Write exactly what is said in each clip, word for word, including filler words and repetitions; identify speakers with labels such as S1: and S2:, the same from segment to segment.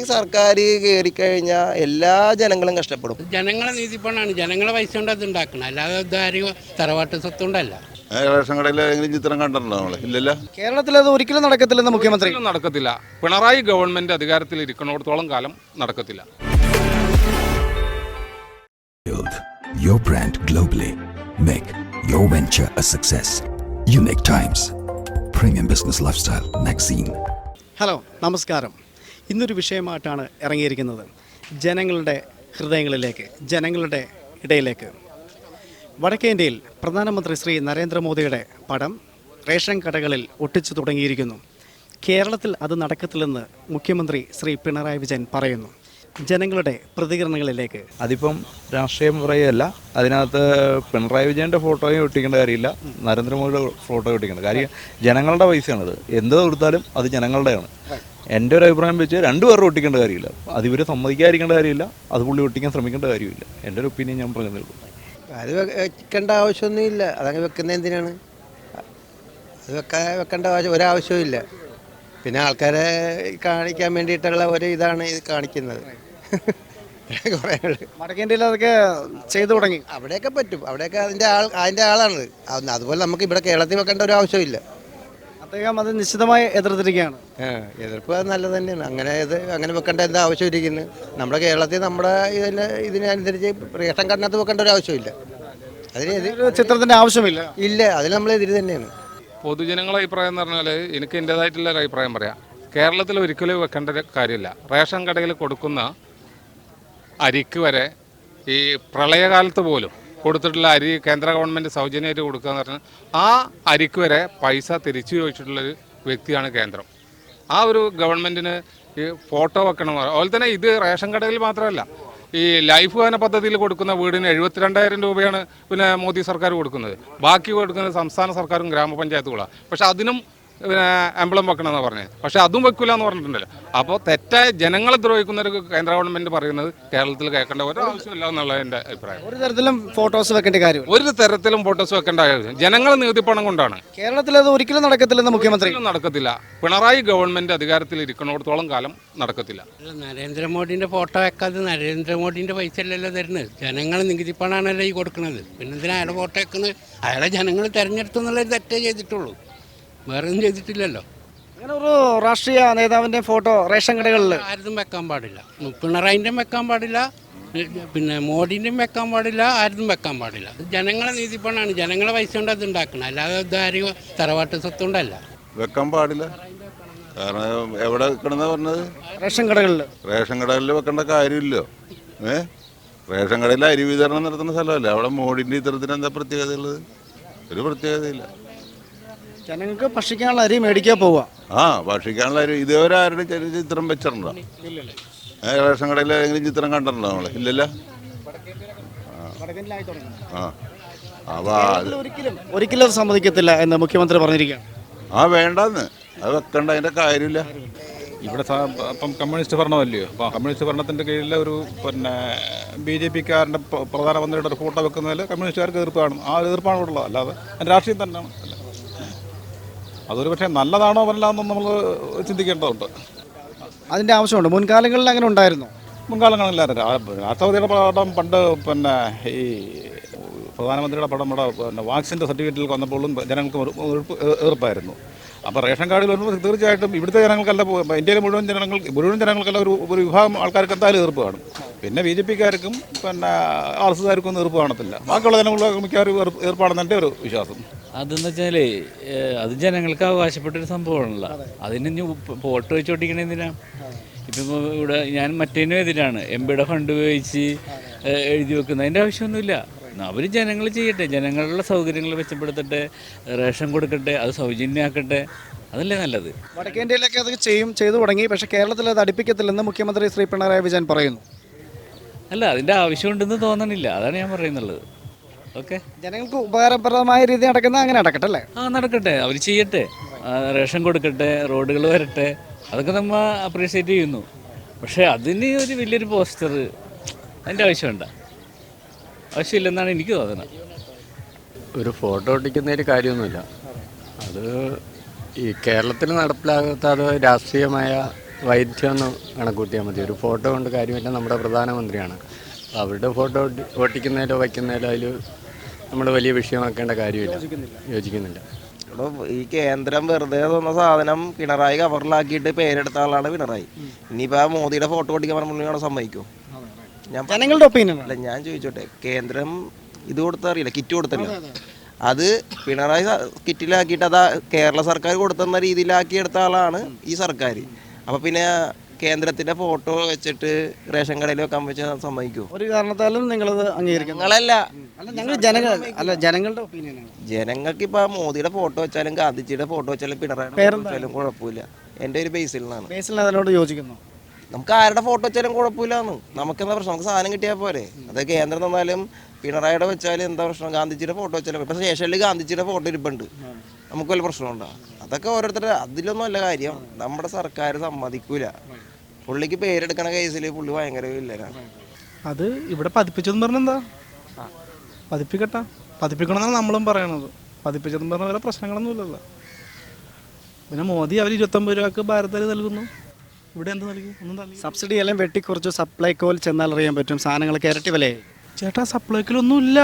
S1: സർക്കാർ കയറിക്കഴിഞ്ഞാൽ എല്ലാ ജനങ്ങളും കഷ്ടപ്പെടും.
S2: ജനങ്ങളെ നീതിപ്പണാണ്, ജനങ്ങളെ പൈസ കൊണ്ട് അത് ഉണ്ടാക്കണം, അല്ലാതെ ഇതാരും തറവാട്ട് സ്വത്തുകൊണ്ടല്ല.
S3: റേഷൻ കടയിൽ ഏതെങ്കിലും ചിത്രം കണ്ടിട്ടുണ്ടോ നമ്മള്? ഇല്ലല്ലോ.
S4: കേരളത്തിൽ അത് ഒരിക്കലും നടക്കത്തില്ലെന്ന് മുഖ്യമന്ത്രി.
S5: നടക്കത്തില്ല. പിണറായി ഗവൺമെന്റ് അധികാരത്തിൽ ഇരിക്കുന്നിടത്തോളം കാലം നടക്കത്തില്ല.
S6: Build your brand globally. Make your venture a success. Unique Times, Premium Business Lifestyle Magazine.
S4: Hello, നമസ്കാരം. ഇന്നൊരു വിഷയമായിട്ടാണ് ഇറങ്ങിയിരിക്കുന്നത്. ജനങ്ങളുടെ ഹൃദയങ്ങളിലേക്ക്, ജനങ്ങളുടെ ഇടയിലേക്ക്. വടക്കേ ഇന്ത്യയിൽ പ്രധാനമന്ത്രി ശ്രീ നരേന്ദ്രമോദിയുടെ പടം റേഷൻ കടകളിൽ ഒട്ടിച്ചു തുടങ്ങിയിരിക്കുന്നു. കേരളത്തിൽ അത് നടക്കത്തില്ലെന്ന് മുഖ്യമന്ത്രി ശ്രീ പിണറായി വിജയൻ പറയുന്നു. ജനങ്ങളുടെ പ്രതികരണങ്ങളിലേക്ക്.
S7: അതിപ്പം രാഷ്ട്രീയം പറയുകയല്ല, അതിനകത്ത് പിണറായി വിജയൻ്റെ ഫോട്ടോയും ഒട്ടിക്കേണ്ട കാര്യമില്ല, നരേന്ദ്രമോദിയുടെ ഫോട്ടോ ഒട്ടിക്കേണ്ട കാര്യം. ജനങ്ങളുടെ പൈസയാണിത്, എന്ത് കൊടുത്താലും അത് ജനങ്ങളുടെയാണ്. എൻ്റെ ഒരു അഭിപ്രായം വെച്ച് രണ്ടുപേരും ഒട്ടിക്കേണ്ട കാര്യമില്ല, അത് ഇവർ സമ്മതിക്കാതിരിക്കേണ്ട കാര്യമില്ല, അത് പുള്ളി ഒട്ടിക്കാൻ ശ്രമിക്കേണ്ട കാര്യമില്ല. എൻ്റെ ഒരു ഒപ്പീനിയൻ ഞാൻ പറഞ്ഞതേ ഉള്ളൂ.
S1: അത് വെക്കേണ്ട ആവശ്യമൊന്നുമില്ല. അതങ്ങനെ വെക്കുന്നത് എന്തിനാണ്? അത് വെക്കാൻ വെക്കേണ്ട ആവശ്യം ഒരാവശ്യവും ഇല്ല. പിന്നെ ആൾക്കാരെ കാണിക്കാൻ വേണ്ടിയിട്ടുള്ള ഒരു ഇതാണ് ഇത് കാണിക്കുന്നത്.
S4: വടക്കേ ഇന്ത്യയിൽ അതൊക്കെ ചെയ്തു തുടങ്ങി.
S1: അവിടെയൊക്കെ പറ്റും, അവിടെയൊക്കെ അതിൻ്റെ ആൾ അതിൻ്റെ ആളാണ്. അതുപോലെ നമുക്ക് ഇവിടെ കേരളത്തിൽ വെക്കേണ്ട ഒരു ആവശ്യമില്ല.
S4: അദ്ദേഹം അത് നിശ്ചിതമായി എതിർത്തിരിക്കുകയാണ്.
S1: എതിർപ്പ് അത് നല്ലത് തന്നെയാണ്. അങ്ങനെ ഇത് അങ്ങനെ വെക്കേണ്ട എന്താ ആവശ്യം ഇരിക്കുന്നത്? നമ്മുടെ കേരളത്തിൽ നമ്മുടെ ഇതിന് ഇതിനനുസരിച്ച് റേഷൻ കാർഡിനകത്ത് വെക്കേണ്ട ഒരു ആവശ്യമില്ല. അതിന്
S4: ചിത്രത്തിൻ്റെ ആവശ്യമില്ല.
S1: ഇല്ല, അതിന് നമ്മൾ എതിര് തന്നെയാണ്.
S5: പൊതുജനങ്ങളുടെ അഭിപ്രായം എന്ന് പറഞ്ഞാൽ എനിക്ക് എൻ്റേതായിട്ടുള്ള ഒരു അഭിപ്രായം പറയാം. കേരളത്തിൽ ഒരിക്കലും വെക്കേണ്ട കാര്യമില്ല. റേഷൻ കടയിൽ കൊടുക്കുന്ന അരിക്ക് വരെ ഈ പ്രളയകാലത്ത് പോലും കൊടുത്തിട്ടുള്ള അരി കേന്ദ്ര ഗവൺമെൻറ് സൗജന്യമായിട്ട് കൊടുക്കുക എന്ന് പറഞ്ഞാൽ ആ അരിക്ക് വരെ പൈസ തിരിച്ചു ചോദിച്ചിട്ടുള്ളൊരു വ്യക്തിയാണ് കേന്ദ്രം. ആ ഒരു ഗവൺമെൻറ്റിന് ഈ ഫോട്ടോ വെക്കണം. അതുപോലെ തന്നെ ഇത് റേഷൻ കടയിൽ മാത്രമല്ല, ഈ ലൈഫ് ഭവന പദ്ധതിയിൽ കൊടുക്കുന്ന വീടിന് എഴുപത്തിരണ്ടായിരം രൂപയാണ് പിന്നെ മോദി സർക്കാർ കൊടുക്കുന്നത്. ബാക്കി കൊടുക്കുന്നത് സംസ്ഥാന സർക്കാരും ഗ്രാമപഞ്ചായത്തുകളാണ്. പക്ഷെ അതിനും പിന്നെ എംബ്ലം വെക്കണമെന്നാണ് പറഞ്ഞത്. പക്ഷെ അതും വെക്കില്ല എന്ന് പറഞ്ഞിട്ടുണ്ടല്ലോ. അപ്പോൾ തെറ്റായ ജനങ്ങളെ ദ്രോഹിക്കുന്ന ഒരു കേന്ദ്ര ഗവൺമെൻറ് പറയുന്നത് കേരളത്തിൽ കേൾക്കേണ്ട ഒരു ആവശ്യമില്ല എന്നുള്ള എൻ്റെ അഭിപ്രായം.
S4: ഒരു തരത്തിലും ഫോട്ടോസ് വെക്കേണ്ട കാര്യം
S5: ഒരു തരത്തിലും ഫോട്ടോസ് വെക്കേണ്ട ആവശ്യം ജനങ്ങളെ നീതിപ്പണം കൊണ്ടാണ്.
S4: കേരളത്തിൽ അത് ഒരിക്കലും നടക്കത്തില്ലെന്ന് മുഖ്യമന്ത്രി.
S5: നടക്കത്തില്ല. പിണറായി ഗവൺമെൻറ് അധികാരത്തിൽ ഇരിക്കുന്നിടത്തോളം കാലം നടക്കത്തില്ല.
S2: നരേന്ദ്രമോദിൻ്റെ ഫോട്ടോ വെക്കാതെ നരേന്ദ്രമോദിൻ്റെ പൈസ അല്ലല്ലോ തരുന്നത്, ജനങ്ങളെ നികുതിപ്പണാണല്ലോ ഈ കൊടുക്കുന്നത്. പിന്നെന്തിനാ അയാളെ ഫോട്ടോ വെക്കുന്നത്? അയാളെ ജനങ്ങൾ തിരഞ്ഞെടുത്തു എന്നുള്ളൊരു തെറ്റേ ചെയ്തിട്ടുള്ളൂ, വേറെ ഒന്നും ചെയ്തിട്ടില്ലല്ലോ.
S4: അങ്ങനെ ഒരു രാഷ്ട്രീയ നേതാവിൻ്റെ ഫോട്ടോ റേഷൻ കടകളിൽ
S2: ആരും വെക്കാൻ പാടില്ല. പിണറായിൻ്റെയും വെക്കാൻ പാടില്ല, പിന്നെ മോഡിൻ്റെയും വെക്കാൻ പാടില്ല, ആരും വെക്കാൻ പാടില്ല. ജനങ്ങളെ നീതിപ്പണാണ്, ജനങ്ങളെ പൈസ കൊണ്ട് അത് ഉണ്ടാക്കണം, അല്ലാതെ ഇതാരും തറവാട്ട് സ്വത്തുകൊണ്ടല്ല.
S3: വെക്കാൻ പാടില്ല. കാരണം എവിടെ വെക്കണമെന്നാ പറഞ്ഞത്?
S4: റേഷൻ കടകളിൽ.
S3: റേഷൻ കടകളിൽ വെക്കേണ്ട കാര്യമില്ലോ. ഏ റേഷൻ കടയിൽ അരി വിതരണം നടത്തുന്ന സ്ഥലമല്ലേ, അവിടെ മോഡിൻ്റെ ഇത്തരത്തിന് എന്താ പ്രത്യേകത ഉള്ളത്? ഒരു പ്രത്യേകതയില്ല.
S4: ജനങ്ങൾക്ക് ഭക്ഷിക്കാനുള്ള അരി മേടിക്കാൻ പോവുക.
S3: ആ ഭക്ഷിക്കാനുള്ള അരി ഇതേവരെ ആരുടെ ചിത്രം വെച്ചിട്ടുണ്ടോ? റേഷൻ കടയിൽ ഏതെങ്കിലും ചിത്രം കണ്ടിട്ടുണ്ടോ നമ്മള്? ഇല്ലല്ലോ. ആ അപ്പൊ
S4: ഒരിക്കലും ഒരിക്കലും സമ്മതിക്കത്തില്ല എന്ന് മുഖ്യമന്ത്രി പറഞ്ഞിരിക്കുകയാണ്.
S3: ആ വേണ്ടെന്ന്, അത് വെക്കണ്ട, അതിന്റെ കാര്യമില്ല.
S7: ഇവിടെ ഇപ്പം കമ്മ്യൂണിസ്റ്റ് ഭരണമല്ലയോ, അപ്പോൾ കമ്മ്യൂണിസ്റ്റ് ഭരണത്തിൻ്റെ കീഴിൽ ഒരു പിന്നെ ബി ജെ പിക്കാരൻ്റെ പ്രധാനമന്ത്രിയുടെ ഒരു ഫോട്ടോ വെക്കുന്നതിൽ കമ്മ്യൂണിസ്റ്റുകാർക്ക് എതിർപ്പാണ്. ആ എതിർപ്പാണ് ഉള്ളത്, അല്ലാതെ രാഷ്ട്രീയം തന്നെയാണ്. അതൊരു പക്ഷേ നല്ലതാണോ അല്ലാന്നോ നമ്മൾ ചിന്തിക്കേണ്ടതുണ്ട്.
S4: അതിൻ്റെ ആവശ്യമുണ്ട്. മുൻകാലങ്ങളിൽ അങ്ങനെ ഉണ്ടായിരുന്നു.
S7: മുൻകാലങ്ങളില്ലായിരുന്നു. രാഷ്ട്രപതിയുടെ പടം പണ്ട് പിന്നെ ഈ പ്രധാനമന്ത്രിയുടെ പടം ഇവിടെ പിന്നെ വാക്സിൻ്റെ സർട്ടിഫിക്കറ്റിൽ വന്നപ്പോഴും ജനങ്ങൾക്ക് എതിർപ്പായിരുന്നു. അപ്പോൾ റേഷൻ കാർഡിൽ വരുമ്പോൾ തീർച്ചയായിട്ടും ഇവിടുത്തെ ജനങ്ങൾക്കല്ല, ഇന്ത്യയിലെ മുഴുവൻ ജനങ്ങൾ മുഴുവൻ ജനങ്ങൾക്കല്ല ഒരു ഒരു വിഭാഗം ആൾക്കാർക്ക് എന്തായാലും എതിർപ്പ് കാണും. പിന്നെ ബി ജെ പിക്കാർക്കും പിന്നെ ആർ എസ് എസ്കാർക്കും ഒന്നും എതിർപ്പ് കാണത്തില്ല. ബാക്കിയുള്ള ജനങ്ങൾക്ക് മിക്കവാറും എതിർപ്പാണെന്ന് എൻ്റെ ഒരു വിശ്വാസം.
S8: അതെന്ന് വെച്ചാൽ അത് ജനങ്ങൾക്ക് അവകാശപ്പെട്ടൊരു സംഭവമാണല്ലോ. അതിന് ഇനി ഫോട്ടോ വെച്ചോട്ടിക്കണ എന്തിനാ? ഇപ്പം ഇവിടെ ഞാൻ മറ്റേനും എതിരാണ്. എം പിയുടെ ഫണ്ട് ഉപയോഗിച്ച് എഴുതി വെക്കുന്ന അതിൻ്റെ ആവശ്യമൊന്നുമില്ല. അവർ ജനങ്ങൾ ചെയ്യട്ടെ, ജനങ്ങളുടെ സൗകര്യങ്ങൾ മെച്ചപ്പെടുത്തട്ടെ, റേഷൻ കൊടുക്കട്ടെ, അത് സൗജന്യമാക്കട്ടെ, അതല്ലേ നല്ലത്.
S4: വടക്കേ ഇന്ത്യയിലൊക്കെ അത് ചെയ്യും ചെയ്തു തുടങ്ങി. പക്ഷേ കേരളത്തിൽ അത് അടുപ്പിക്കത്തില്ലെന്ന് മുഖ്യമന്ത്രി ശ്രീ പിണറായി വിജയൻ പറയുന്നു.
S8: അല്ല, അതിൻ്റെ ആവശ്യമുണ്ടെന്ന് തോന്നണില്ല, അതാണ് ഞാൻ പറയുന്നുള്ളത്. ഓക്കെ,
S4: ജനങ്ങൾക്ക് ഉപകാരപ്രദമായ രീതി നടക്കുന്ന അങ്ങനെ നടക്കട്ടെ അല്ലേ? ആ
S8: നടക്കട്ടെ, അവർ ചെയ്യട്ടെ, റേഷൻ കൊടുക്കട്ടെ, റോഡുകൾ വരട്ടെ, അതൊക്കെ നമ്മൾ അപ്രീഷിയേറ്റ് ചെയ്യുന്നു. പക്ഷേ അതിന് ഒരു വലിയൊരു പോസ്റ്റർ അതിൻ്റെ ആവശ്യമുണ്ട ആവശ്യമില്ലെന്നാണ് എനിക്ക് തോന്നുന്നത്.
S9: ഒരു ഫോട്ടോ ഒട്ടിക്കുന്നതിൽ കാര്യമൊന്നുമില്ല. അത് ഈ കേരളത്തിൽ നടപ്പിലാകാത്ത അത് രാഷ്ട്രീയമായ വൈദ്യമൊന്നും കണക്കൂട്ടിയാൽ മതി. ഒരു ഫോട്ടോ കൊണ്ട് കാര്യമില്ല. നമ്മുടെ പ്രധാനമന്ത്രിയാണ്. അവരുടെ ഫോട്ടോ ഒട്ടിക്കുന്നതിലോ വയ്ക്കുന്നതിലോ അതിൽ നമ്മൾ വലിയ വിഷയമാക്കേണ്ട കാര്യമില്ല. യോജിക്കുന്നില്ല.
S10: ഈ കേന്ദ്രം വെറുതെ തന്ന സാധനം പിണറായി കവറിലാക്കിയിട്ട് പേരെടുത്ത ആളാണ് പിണറായി. ഇനിയിപ്പോൾ ആ മോദിയുടെ ഫോട്ടോ ഒട്ടിക്കാൻ പറഞ്ഞാൽ സമ്മതിക്കുമോ? ഞാൻ
S4: ജനങ്ങളുടെ ഒപ്പീനിയൻ
S10: അല്ല, ഞാൻ ചോദിച്ചോട്ടെ, കേന്ദ്രം ഇത് കൊടുത്തറിയില്ല, കിറ്റ് കൊടുത്തല്ലോ, അത് പിണറായി കിറ്റിലാക്കിയിട്ട് അതാ കേരള സർക്കാർ കൊടുത്തുന്ന രീതിയിലാക്കി എടുത്ത ആളാണ് ഈ സർക്കാർ. അപ്പോൾ പിന്നെ കേന്ദ്രത്തിൻ്റെ ഫോട്ടോ വെച്ചിട്ട് റേഷൻ കടയിൽ വെക്കാൻ വെച്ചാൽ സമ്മതിക്കുമോ?
S4: ഒരു കാരണത്താലും നിങ്ങളത് അംഗീകരിക്കും?
S10: ഞങ്ങളല്ല,
S4: അല്ല ഞങ്ങൾ ജനങ്ങൾ അല്ല ജനങ്ങളുടെ ഒപ്പീനിയനാണ്.
S10: ജനങ്ങൾക്ക് ഇപ്പോൾ മോദിയുടെ ഫോട്ടോ വെച്ചാലും ഗാന്ധിജിയുടെ ഫോട്ടോ വെച്ചാലും പിണറായി വെച്ചാലും കുഴപ്പമില്ല. എൻ്റെ ഒരു ബേസിൽ നിന്നാണ്.
S4: ബേസിൽ അതിനോട് യോജിക്കുന്നു.
S10: നമുക്ക് ആരുടെ ഫോട്ടോ വെച്ചാലും കുഴപ്പമില്ലാന്ന്. നമുക്കെന്താ പ്രശ്നം? നമുക്ക് സാധനം കിട്ടിയാൽ പോരെ. അത് കേന്ദ്രം തന്നാലും പിണറായിയുടെ വെച്ചാലും എന്താ പ്രശ്നം? ഗാന്ധിജിയുടെ ഫോട്ടോ വെച്ചാലും ഇപ്പം സ്റ്റേഷനിൽ ഗാന്ധിജിയുടെ ഫോട്ടോ ഇരിപ്പുണ്ട്, നമുക്ക് വല്ല പ്രശ്നമുണ്ടോ? അതൊക്കെ ഓരോരുത്തരുടെ, അതിലൊന്നും അല്ല കാര്യം. നമ്മുടെ സർക്കാർ സമ്മതിക്കൂല. പുള്ളിക്ക് പേരെടുക്കണ കേസിൽ പുള്ളി ഭയങ്കര വില്ലനാണ്.
S11: അത് ഇവിടെ പതിപ്പിച്ചതെന്ന് പറഞ്ഞെന്താ? പതിപ്പിക്കട്ടെ, പതിപ്പിക്കണമെന്നാണ് നമ്മളും പറയണത്. പതിപ്പിച്ചതെന്ന് പറഞ്ഞ വേറെ പ്രശ്നങ്ങളൊന്നും ഇല്ലല്ലോ. പിന്നെ മോദി അവർ ഇരുപത്തൊമ്പത് രൂപക്ക് ഭാരതത്തിൽ നൽകുന്നു, ഇവിടെ എന്ത് നൽകി? ഒന്നും നൽകി.
S4: സബ്സിഡി എല്ലാം വെട്ടിക്കുറച്ച് സപ്ലൈകോയിൽ ചെന്നാൽ അറിയാൻ പറ്റും സാധനങ്ങൾക്ക് ഇരട്ടി വിലയായി.
S11: ചേട്ടാ സപ്ലൈക്കോയിലൊന്നും ഇല്ല.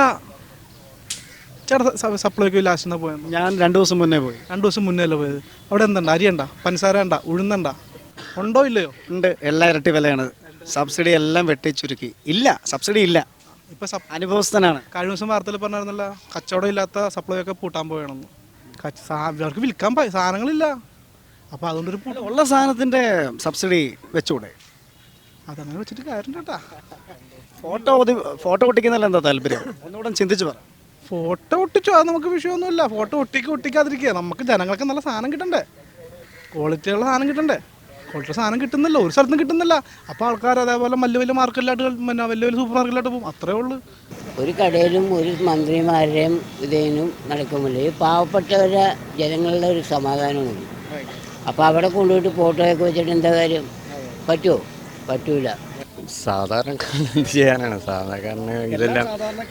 S11: ചേട്ടാ സപ്ലൈക്കോ ലാസ്റ്റ് എന്നാ പോയത്?
S4: ഞാൻ രണ്ടു ദിവസം മുന്നേ പോയി.
S11: രണ്ടു ദിവസം മുന്നേ അല്ലേ പോയത്? അവിടെ എന്തുണ്ട്? അരിയണ്ട, പഞ്ചസാര ഉണ്ട, ഉഴുന്നണ്ട, ഉണ്ടോ ഇല്ലയോ?
S4: ഉണ്ട്, എല്ലാം ഇരട്ടി വിലയാണ്. സബ്സിഡി എല്ലാം വെട്ടിച്ചുരുക്കി. ഇല്ല, സബ്സിഡി ഇല്ല.
S11: ഇപ്പം
S4: അനുഭവസ്ഥനാണ്.
S11: കഴിഞ്ഞ ദിവസം വാർത്തയിൽ പറഞ്ഞിരുന്നല്ലോ, കച്ചവടം ഇല്ലാത്ത സപ്ലൈ ഒക്കെ പൂട്ടാൻ പോയണമെന്ന്. അവർക്ക് വിൽക്കാൻ സാധനങ്ങളില്ല. അപ്പോൾ അതുകൊണ്ടൊരു
S4: ഉള്ള സാധനത്തിൻ്റെ സബ്സിഡി വെച്ചുകൂടെ?
S11: അതങ്ങനെ വെച്ചിട്ട് കാര്യം കേട്ടാ.
S4: ഫോട്ടോ ഫോട്ടോ ഒട്ടിക്കുന്നതിൽ എന്താ താല്പര്യം? ഒന്നുകൂടെ ചിന്തിച്ചു പറ.
S11: ഫോട്ടോ ഒട്ടിച്ചോ, അത് നമുക്ക് വിഷയമൊന്നുമില്ല. ഫോട്ടോ ഒട്ടിക്ക് ഒട്ടിക്കാതിരിക്കുക. നമുക്ക് ജനങ്ങൾക്ക് നല്ല സാധനം കിട്ടണ്ടേ, ക്വാളിറ്റിയുള്ള സാധനം കിട്ടണ്ടേ. ക്വാളിറ്റി സാധനം കിട്ടുന്നില്ല, ഒരു സ്ഥലത്തും കിട്ടുന്നില്ല. അപ്പോൾ ആൾക്കാർ അതേപോലെ വലിയ വലിയ മാർക്കറ്റിലായിട്ട് പിന്നെ വലിയ വലിയ സൂപ്പർ മാർക്കറ്റിലായിട്ട് പോകും, അത്രേ ഉള്ളൂ.
S12: ഒരു കടയിലും ഒരു മന്ത്രിമാരുടെയും ഇതേനും നടക്കുമില്ല. ഈ പാവപ്പെട്ടവരെ ജനങ്ങളുടെ ഒരു സമാധാനമുണ്ട്. അപ്പോൾ അവിടെ കൊണ്ടുപോയിട്ട് ഫോട്ടോയൊക്കെ വെച്ചിട്ട് എന്താ കാര്യം? പറ്റുമോ? പറ്റൂല.
S9: സാധാരണക്കാരൻ എന്ത് ചെയ്യാനാണ്? സാധാരണക്കാരന് ഇതെല്ലാം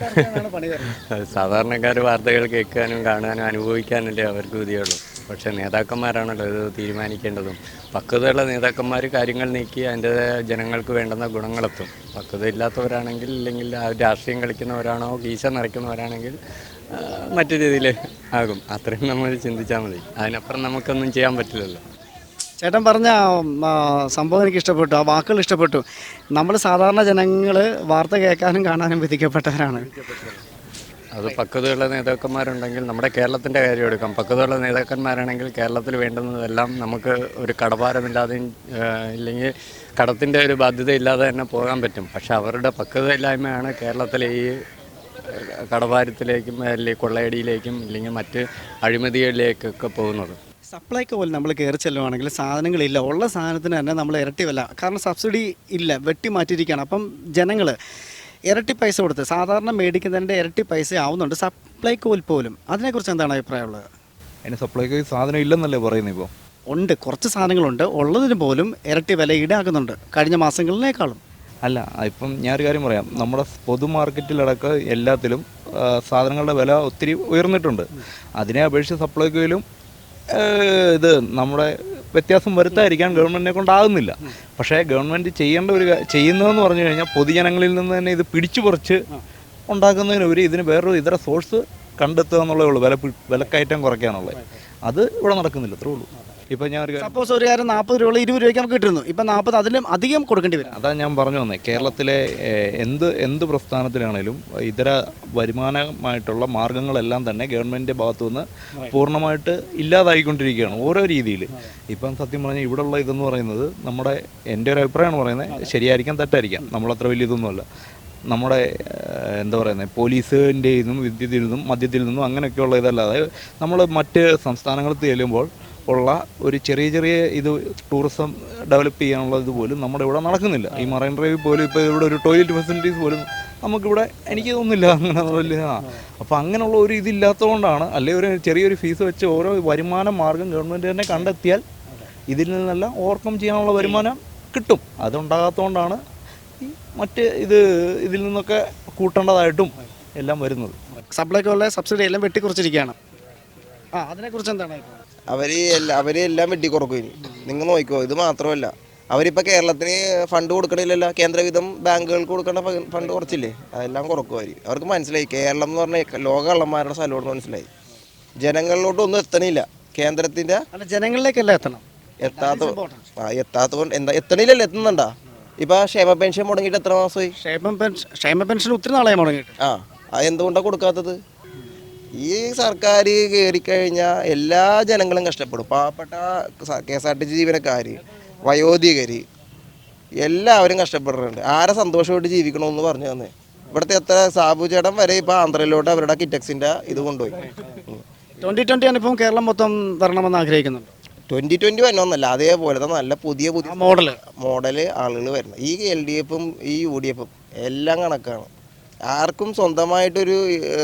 S9: സാധാരണക്കാർ വാർത്തകൾ കേൾക്കാനും കാണാനും അനുഭവിക്കാനല്ലേ അവർക്ക് വിധിയുള്ളൂ. പക്ഷേ നേതാക്കന്മാരാണല്ലോ ഇത് തീരുമാനിക്കേണ്ടതും. പക്വതയുള്ള നേതാക്കന്മാർ കാര്യങ്ങൾ നീക്കി അതിൻ്റെ ജനങ്ങൾക്ക് വേണ്ടുന്ന ഗുണങ്ങളെത്തും. പക്വത ഇല്ലാത്തവരാണെങ്കിൽ, ഇല്ലെങ്കിൽ ആ രാഷ്ട്രീയം കളിക്കുന്നവരാണോ കീശ നിറയ്ക്കുന്നവരാണെങ്കിൽ മറ്റു രീതിയിൽ ആകും. അത്രയും നമ്മൾ ചിന്തിച്ചാൽ മതി. അതിനപ്പുറം നമുക്കൊന്നും ചെയ്യാൻ പറ്റില്ലല്ലോ.
S4: ചേട്ടൻ പറഞ്ഞ സംഭവം എനിക്ക് ഇഷ്ടപ്പെട്ടു, ആ വാക്കുകൾ ഇഷ്ടപ്പെട്ടു. നമ്മൾ സാധാരണ ജനങ്ങൾ വാർത്ത കേൾക്കാനും കാണാനും വിധിക്കപ്പെട്ടവരാണ്.
S9: അത് പക്വതയുള്ള നേതാക്കന്മാരുണ്ടെങ്കിൽ, നമ്മുടെ കേരളത്തിൻ്റെ കാര്യം എടുക്കാം. പക്വതയുള്ള നേതാക്കന്മാരാണെങ്കിൽ കേരളത്തിൽ വേണ്ടുന്നതെല്ലാം നമുക്ക് ഒരു കടഭാരമില്ലാതെയും ഇല്ലെങ്കിൽ കടത്തിൻ്റെ ഒരു ബാധ്യത ഇല്ലാതെ തന്നെ പോകാൻ പറ്റും. പക്ഷെ അവരുടെ പക്വതയില്ലായ്മയാണ് കേരളത്തിലെ ഈ കടഭാരത്തിലേക്കും അല്ലെങ്കിൽ കൊള്ളയടിയിലേക്കും ഇല്ലെങ്കിൽ മറ്റ് അഴിമതികളിലേക്കൊക്കെ പോകുന്നത്.
S4: സപ്ലൈക്ക് പോലെ നമ്മൾ കയറി ചെല്ലുവാണെങ്കിൽ സാധനങ്ങളില്ല, ഉള്ള സാധനത്തിന് തന്നെ നമ്മൾ ഇരട്ടി വില. കാരണം സബ്സിഡി ഇല്ല, വെട്ടി മാറ്റിയിരിക്കുകയാണ്. അപ്പം ജനങ്ങൾ ഇരട്ടി പൈസ കൊടുത്ത് സാധാരണ മേടിക്കുന്നതിൻ്റെ ഇരട്ടി പൈസ ആവുന്നുണ്ട് സപ്ലൈക്കോയിൽ പോലും. അതിനെക്കുറിച്ച് എന്താണ് അഭിപ്രായമുള്ളത്?
S7: അതിന് സപ്ലൈക്കോ സാധനം ഇല്ലെന്നല്ലേ പറയുന്നത്? ഇപ്പോൾ
S4: ഉണ്ട്, കുറച്ച് സാധനങ്ങളുണ്ട്. ഉള്ളതിന് പോലും ഇരട്ടി വില ഈടാക്കുന്നുണ്ട് കഴിഞ്ഞ മാസങ്ങളിലേക്കാളും.
S7: അല്ല, ഇപ്പം ഞാനൊരു കാര്യം പറയാം. നമ്മുടെ പൊതു മാർക്കറ്റിലടക്കം എല്ലാത്തിലും സാധനങ്ങളുടെ വില ഒത്തിരി ഉയർന്നിട്ടുണ്ട്. അതിനെ അപേക്ഷിച്ച് സപ്ലൈക്കോയിലും ഇത് നമ്മുടെ വ്യത്യാസം വരുത്താതിരിക്കാൻ ഗവൺമെൻറ്റിനെ കൊണ്ടാകുന്നില്ല. പക്ഷേ ഗവൺമെൻറ് ചെയ്യേണ്ട ഒരു ചെയ്യുന്നതെന്ന് പറഞ്ഞു കഴിഞ്ഞാൽ പൊതുജനങ്ങളിൽ നിന്ന് തന്നെ ഇത് പിടിച്ചു പറിച്ച് ഉണ്ടാക്കുന്നതിനുപരി ഇതിന് വേറൊരു ഇതര സോഴ്സ് കണ്ടെത്തുക എന്നുള്ളതേ ഉള്ളൂ. വില വിലക്കയറ്റം കുറയ്ക്കാനുള്ളത് അത് ഇവിടെ നടക്കുന്നില്ല, അത്രേ ഉള്ളൂ. ഇപ്പം ഞാൻ ഒരു
S4: സപ്പോസ് ഒരു കാര്യം നാൽപ്പത് രൂപ ഇരുപത് രൂപയ്ക്ക് നമുക്ക് കിട്ടുന്നു, ഇപ്പം നാൽപ്പത് അതിലും അധികം കൊടുക്കേണ്ടി വരും.
S7: അതാണ് ഞാൻ പറഞ്ഞു വന്നത്. കേരളത്തിലെ എന്ത് എന്ത് പ്രസ്ഥാനത്തിലാണേലും ഇതര വരുമാനമായിട്ടുള്ള മാർഗ്ഗങ്ങളെല്ലാം തന്നെ ഗവൺമെൻറ്റിൻ്റെ ഭാഗത്തു നിന്ന് പൂർണ്ണമായിട്ട് ഇല്ലാതായിക്കൊണ്ടിരിക്കുകയാണ് ഓരോ രീതിയിൽ. ഇപ്പം സത്യം പറഞ്ഞാൽ ഇവിടെയുള്ള ഇതെന്ന് പറയുന്നത് നമ്മുടെ എൻ്റെ ഒരു അഭിപ്രായമാണ് പറയുന്നത്, ശരിയായിരിക്കാം തെറ്റായിരിക്കാം, നമ്മളത്ര വലിയ ഇതൊന്നുമല്ല. നമ്മുടെ എന്താ പറയുന്നത് പോലീസിൻ്റെ നിന്നും വിദ്യുത്തിൽ നിന്നും മദ്യത്തിൽ നിന്നും അങ്ങനെയൊക്കെയുള്ള ഇതല്ലാതെ നമ്മൾ മറ്റ് സംസ്ഥാനങ്ങളിൽ ചെല്ലുമ്പോൾ ഉള്ള ഒരു ചെറിയ ചെറിയ ഇത് ടൂറിസം ഡെവലപ്പ് ചെയ്യാനുള്ള ഇതുപോലും നമ്മുടെ ഇവിടെ നടക്കുന്നില്ല. ഈ മറൈൻ ഡ്രൈവിൽ പോലും ഇപ്പോൾ ഇവിടെ ഒരു ടോയ്ലറ്റ് ഫെസിലിറ്റീസ് പോലും നമുക്കിവിടെ എനിക്ക് തോന്നുന്നില്ല അങ്ങനെ വലിയ. അപ്പോൾ അങ്ങനെയുള്ള ഒരു ഇതില്ലാത്തതുകൊണ്ടാണ്, അല്ലെങ്കിൽ ഒരു ചെറിയൊരു ഫീസ് വെച്ച് ഓരോ വരുമാന മാർഗം ഗവൺമെൻറ് തന്നെ കണ്ടെത്തിയാൽ ഇതിൽ നിന്നെല്ലാം ഓവർകം ചെയ്യാനുള്ള വരുമാനം കിട്ടും. അതുണ്ടാകാത്തതുകൊണ്ടാണ് ഈ മറ്റ് ഇത് ഇതിൽ നിന്നൊക്കെ കൂട്ടേണ്ടതായിട്ടും എല്ലാം വരുന്നത്.
S4: സപ്ലൈക്കോലെ സബ്സിഡി എല്ലാം വെട്ടിക്കുറച്ചിരിക്കുകയാണ്. ആ അതിനെക്കുറിച്ച് എന്താണ്?
S10: അവർ എല്ലാ അവർ എല്ലാം വെട്ടിക്കുറക്കും. ഇനി നിങ്ങൾ നോക്കിക്കോ, ഇത് മാത്രമല്ല അവരിപ്പോൾ കേരളത്തിന് ഫണ്ട് കൊടുക്കണില്ലല്ലോ. കേന്ദ്രവിധം ബാങ്കുകൾക്ക് കൊടുക്കേണ്ട ഫണ്ട് കുറച്ചില്ലേ, അതെല്ലാം കുറക്കുമായിരിക്കും. അവർക്ക് മനസ്സിലായി കേരളം എന്ന് പറഞ്ഞാൽ ലോക കള്ളന്മാരുടെ സ്ഥലമാണെന്ന് മനസ്സിലായി. ജനങ്ങളിലോട്ടൊന്നും എത്തണില്ല കേന്ദ്രത്തിൻ്റെ.
S4: അല്ല, ജനങ്ങളിലേക്കല്ല എത്തണം.
S10: എത്താത്ത ആ എത്താത്ത കൊണ്ട് എന്താ എത്തണില്ലല്ലോ, എത്തുന്നുണ്ടാ? ഇപ്പം ക്ഷേമ പെൻഷൻ മുടങ്ങിയിട്ട് എത്ര മാസമായി?
S4: ക്ഷേമ പെൻഷൻ ക്ഷേമ പെൻഷൻ ഒത്തിരി നാളായി മുടങ്ങിയിട്ട്.
S10: ആ അത് എന്തുകൊണ്ടാണ് കൊടുക്കാത്തത്? ഈ സർക്കാർ കയറിക്കഴിഞ്ഞാൽ എല്ലാ ജനങ്ങളും കഷ്ടപ്പെടും. പാവപ്പെട്ട K S R T C ജീവനക്കാർ, വയോധികർ, എല്ലാവരും കഷ്ടപ്പെടുന്നുണ്ട്. ആരെ സന്തോഷമായിട്ട് ജീവിക്കണമെന്ന് പറഞ്ഞു തന്നെ. ഇവിടുത്തെ എത്ര സാബു ചേട്ടൻ വരെ ഇപ്പോൾ ആന്ധ്രയിലോട്ട് അവരുടെ കിറ്റക്സിൻ്റെ ഇത് കൊണ്ടുപോയി.
S4: ട്വൻ്റി ട്വൻ്റി അനുഭവം കേരളം മൊത്തം വരണമെന്ന് ആഗ്രഹിക്കുന്നുണ്ട്.
S10: ട്വൻ്റി ട്വൻ്റി വരണമെന്നല്ല, അതേപോലത്തെ നല്ല പുതിയ പുതിയ
S4: മോഡൽ
S10: മോഡല് ആളുകൾ വരുന്നത്. ഈ എൽ ഡി എഫും ഈ യു ഡി എഫും എല്ലാം കണക്കാണ്. ആർക്കും സ്വന്തമായിട്ടൊരു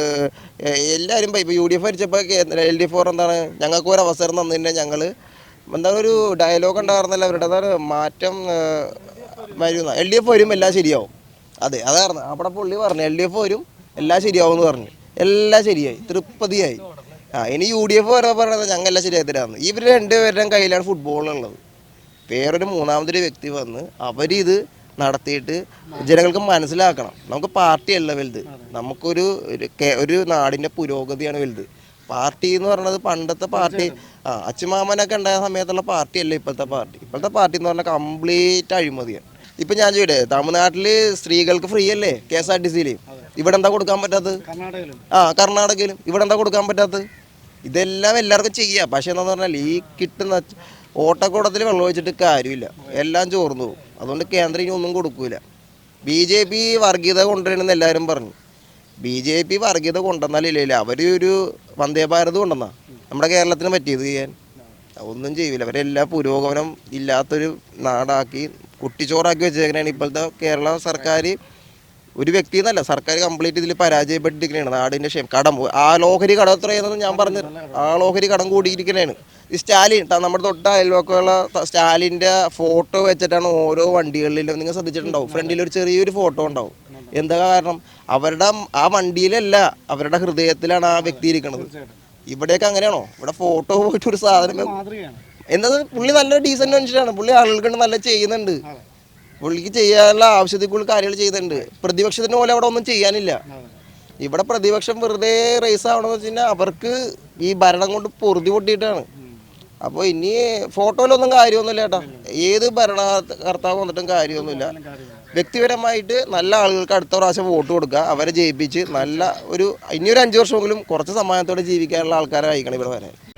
S10: എല്ലാവരും ഇപ്പോൾ യു ഡി എഫ് ഭരിച്ചപ്പോൾ എൽ ഡി എഫ് ഫോർ എന്താണ് ഞങ്ങൾക്ക് ഒരു അവസരം തന്നിട്ടുണ്ടെങ്കിൽ ഞങ്ങൾ എന്താണ് ഒരു ഡയലോഗ് ഉണ്ടായിരുന്നല്ലോ അവരുടെ, അതാണ് മാറ്റം വരുന്ന. എൽ ഡി എഫ് വരും എല്ലാം ശരിയാവും. അതെ അതായിരുന്നു അവിടെ പുള്ളി പറഞ്ഞു, എൽ ഡി എഫ് വരും എല്ലാം ശരിയാവും എന്ന് പറഞ്ഞു. എല്ലാം ശരിയായി, തൃപ്തിയായി. ആ ഇനി യു ഡി എഫ് വരെ പറയുന്നത് ഞങ്ങളെല്ലാം ശരിയായി തരാമെന്ന്. ഇവർ രണ്ടുപേരുടെയും കയ്യിലാണ് ഫുട്ബോളുള്ളത്. വേറൊരു മൂന്നാമതൊരു വ്യക്തി വന്ന് അവരിത് നടത്തിയിട്ട് ജനങ്ങൾക്ക് മനസ്സിലാക്കണം. നമുക്ക് പാർട്ടിയല്ല വലുത്, നമുക്കൊരു ഒരു നാടിൻ്റെ പുരോഗതിയാണ് വലുത്. പാർട്ടി എന്ന് പറയുന്നത് പണ്ടത്തെ പാർട്ടി, ആ അച്ഛമാമനൊക്കെ ഉണ്ടായ സമയത്തുള്ള പാർട്ടിയല്ല ഇപ്പോഴത്തെ പാർട്ടി. ഇപ്പോഴത്തെ പാർട്ടി എന്ന് പറഞ്ഞാൽ കംപ്ലീറ്റ് അഴിമതിയാണ്. ഇപ്പം ഞാൻ ചോദിക്കട്ടെ, തമിഴ്നാട്ടിൽ സ്ത്രീകൾക്ക് ഫ്രീ അല്ലേ കെ എസ് ആർ ടി സിയിൽ? ഇവിടെ എന്താ കൊടുക്കാൻ പറ്റാത്തത്? ആ കർണാടകയിലും ഇവിടെ എന്താ കൊടുക്കാൻ പറ്റാത്തത്? ഇതെല്ലാം എല്ലാവർക്കും ചെയ്യാം. പക്ഷേ എന്താണെന്ന് പറഞ്ഞാൽ ഈ കിട്ടുന്ന ഓട്ടക്കൂടത്തിൽ വെള്ളം ഒഴിച്ചിട്ട് കാര്യമില്ല, എല്ലാം ചോർന്നു പോകും. അതുകൊണ്ട് കേന്ദ്രം ഇനി ഒന്നും കൊടുക്കൂല. ബി ജെ പി വർഗീയത കൊണ്ടുവരണമെന്ന് എല്ലാവരും പറഞ്ഞു. ബി ജെ പി വർഗീയത കൊണ്ടുവന്നാലില്ല, അവർ ഒരു വന്ദേ ഭാരത് കൊണ്ടുവന്നാ നമ്മുടെ കേരളത്തിന് പറ്റിയത് ചെയ്യാൻ ഒന്നും ചെയ്യില്ല. അവരെല്ലാം പുരോഗമനം ഇല്ലാത്തൊരു നാടാക്കി കുട്ടിച്ചോറാക്കി വെച്ചേക്കണേണ് ഇപ്പോഴത്തെ കേരള സർക്കാർ. ഒരു വ്യക്തി എന്നല്ല, സർക്കാർ കംപ്ലീറ്റ് ഇതിൽ പരാജയപ്പെട്ടിരിക്കണേണ്. നാടിൻ്റെ ക്ഷേമം കടം ആ ലോഹരി കടം എത്രയെന്ന് ഞാൻ പറഞ്ഞു. ആ ലോഹരി കടം കൂടിയിരിക്കണേണ്. ഈ സ്റ്റാലിൻ നമ്മുടെ തൊട്ട അയൽവക്കമുള്ള സ്റ്റാലിൻ്റെ ഫോട്ടോ വെച്ചിട്ടാണ് ഓരോ വണ്ടികളിലും നിങ്ങൾ ശ്രദ്ധിച്ചിട്ടുണ്ടാവും, ഫ്രണ്ടിൽ ഒരു ചെറിയൊരു ഫോട്ടോ ഉണ്ടാവും. എന്താ കാരണം? അവരുടെ ആ വണ്ടിയിലല്ല, അവരുടെ ഹൃദയത്തിലാണ് ആ വ്യക്തി ഇരിക്കുന്നത്. ഇവിടെയൊക്കെ അങ്ങനെയാണോ? ഇവിടെ ഫോട്ടോ പോയിട്ടൊരു സാധനം എന്നത് പുള്ളി നല്ല ഡീസൻ്റ് മനുഷ്യനാണ്. പുള്ളി ആളുകൾക്ക് നല്ല ചെയ്യുന്നുണ്ട്. പുള്ളിക്ക് ചെയ്യാനുള്ള ആവശ്യത്തിൽ കൂടുതൽ കാര്യങ്ങൾ ചെയ്യുന്നുണ്ട്. പ്രതിപക്ഷത്തിന് പോലെ അവിടെ ഒന്നും ചെയ്യാനില്ല. ഇവിടെ പ്രതിപക്ഷം വെറുതെ റേസ് ആവണമെന്ന് വെച്ച് കഴിഞ്ഞാൽ അവർക്ക് ഈ ഭരണം കൊണ്ട് പൊറുതി പൊട്ടിയിട്ടാണ്. അപ്പോൾ ഇനി ഫോട്ടോയിലൊന്നും കാര്യമൊന്നുമില്ല ചേട്ടാ. ഏത് ഭരണകർത്താവ് വന്നിട്ടും കാര്യമൊന്നുമില്ല. വ്യക്തിപരമായിട്ട് നല്ല ആളുകൾക്ക് അടുത്ത പ്രാവശ്യം വോട്ട് കൊടുക്കുക, അവരെ ജയിപ്പിച്ച് നല്ല ഒരു ഇനിയൊരു അഞ്ച് വർഷമെങ്കിലും കുറച്ച് സമാധാനത്തോടെ ജീവിക്കാനുള്ള ആൾക്കാരെ അയക്കണം ഇവിടെ വരാൻ.